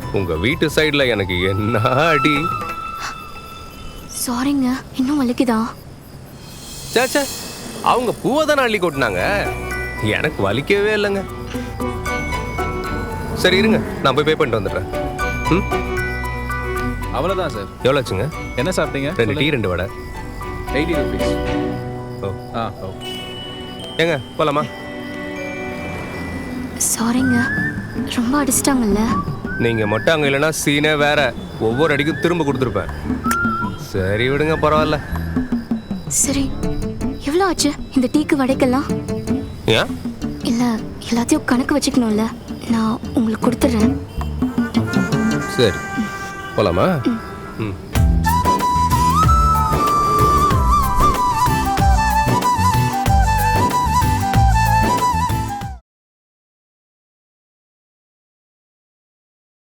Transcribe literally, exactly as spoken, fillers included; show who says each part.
Speaker 1: உங்க வீட்டு சைடுல எனக்கு என்ன அடி.
Speaker 2: சாரிங்க, இன்னும் வலிக்குதா?
Speaker 1: சேச்சே, அவங்க பூவை தானே அள்ளி கொட்டினாங்க, எனக்கு வலிக்கவே இல்லைங்க. சரி இருங்க, நான் போய் பே பண்ணிட்டு வந்துடுறேன். ம்,
Speaker 3: அவ்வளோதான் சார்.
Speaker 1: எவ்வளோ ஆச்சுங்க?
Speaker 3: என்ன சாப்பிட்டீங்க?
Speaker 1: ரெண்டு டீ ரெண்டு வடை.
Speaker 3: Eighty rupees.
Speaker 1: ஓ
Speaker 3: ஆ ஓ
Speaker 1: ஏங்க போலாமா?
Speaker 2: சாரிங்க, ரொம்ப அடிச்சிட்டாங்கல்ல.
Speaker 1: நீங்க மட்டும் அங்க இல்லைன்னா சீனே வேற, ஒவ்வொரு அடிக்கும் திரும்ப கொடுத்துருப்பேன். சரி விடுங்க, பரவாயில்ல.
Speaker 2: சரி, எவ்வளோ ஆச்சு இந்த டீக்கு வடைக்கெல்லாம்?
Speaker 1: ஏன்?
Speaker 2: இல்ல, எல்லாத்தையும் கணக்கு வச்சுக்கணும்ல, நான் உங்களுக்கு கொடுத்துட்றேன்.
Speaker 1: சரி போலாமா? ம்.